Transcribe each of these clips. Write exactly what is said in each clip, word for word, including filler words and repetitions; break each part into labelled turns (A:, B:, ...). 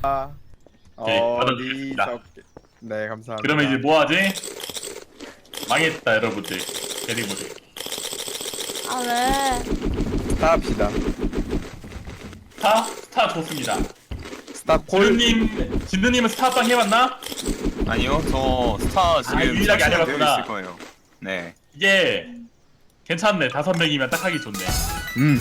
A: 아,
B: 오케이, 받아드리겠습니다.
A: 어리석게. 네, 감사합니다.
B: 그러면 이제 뭐하지? 망했다 여러분들. 게리모드.
C: 아 왜?
A: 스타 합시다.
B: 스타? 스타 좋습니다.
A: 스타 콜.
B: 진우님, 진우님은 스타빵 해봤나?
D: 아니요, 저 스타 지금
B: 아, 유일하게 안
D: 설치가
B: 해봤구나.
D: 되어 있을 거예요. 네.
B: 이게 괜찮네. 다섯 명이면 딱 하기 좋네.
A: 음.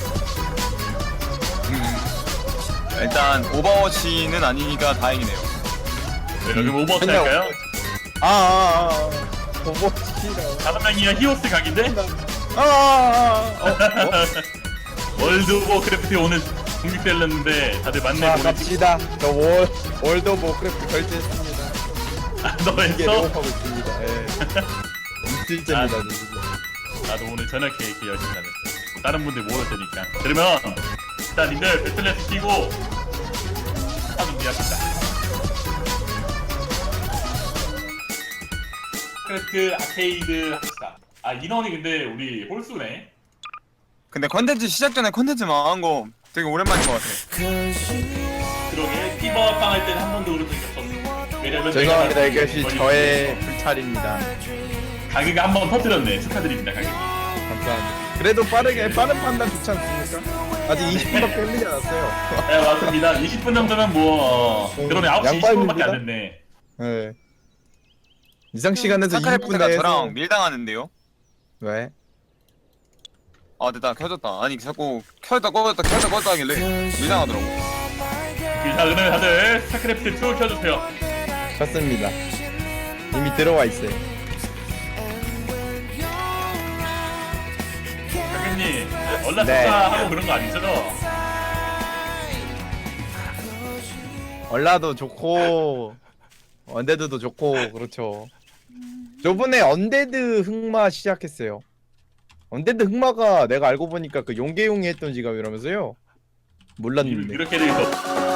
D: 음. 일단 오버워치는 아니니까 다행이네요.
B: 네, 그럼 오버워치
A: 맨날
B: 할까요?
A: 아, 아, 아. 오버워치.
B: 다섯 명이면 히오스 각인데?
A: 아, 아, 아. 어, 어?
B: 월드 오브 크래프트 오늘 공식될렸는데 다들 맞네
A: 자,
B: 보이지?
A: 갑시다. 저 월, 월드 오브 워크래프트 결제했습니다.
B: 아, 너
A: 이게
B: 했어?
A: 레고하고 있습니다. 예. 이틀째입니다,
B: 아.
A: 지금.
B: 나도 오늘 저녁에 이렇게 열심히 하겠어. 뭐 다른 분들 모를 테니까. 그러면 일단 님들 배틀넷 끼고 스타 준비합시다. 크래프트 아케이드 합시다. 아 인원이 근데 우리 홀수네.
D: 근데 컨텐츠 시작 전에 컨텐츠 망한 거 되게 오랜만인 것 같아.
B: 그러게 피버빵 할 때는 한 번도 그런 적이 없었네. 왜냐면
A: 죄송합니다.
B: 내가
A: 이것이
B: 거의
A: 저의 불찰입니다.
B: 가게가 한 번 터뜨렸네. 축하드립니다 가게.
A: 감사합니다. 그래도 빠르게 빠른 판단 좋지 않습니까? 아직 이십 분밖에 흘리지 않았어요.
B: 네 맞습니다. 이십 분 정도면 뭐 어, 그러면 아홉 시 이십 분밖에 안 됐네.
A: 네. 이상 시간에서 이십 분
D: 스타크래프트가
A: 내에서
D: 저랑 밀당하는데요.
A: 왜?
D: 아 됐다, 켜졌다. 아니 자꾸 켜졌다 꺼졌다 켜졌다 꺼졌다 하길래 밀당하더라고.
B: 자 그러면 다들 스타크래프트 이 켜주세요.
A: 켰습니다. 이미 들어와 있어요.
B: 형님 얼라
A: 네.
B: 축하하고 그런 거 아니죠?
A: 얼라도 좋고 언데드도 좋고 그렇죠. 저번에 언데드 흑마 시작했어요. 언데드 흑마가 내가 알고 보니까 그 용계용이 했던 지갑이라면서요? 몰랐는데.
B: 이렇게 돼서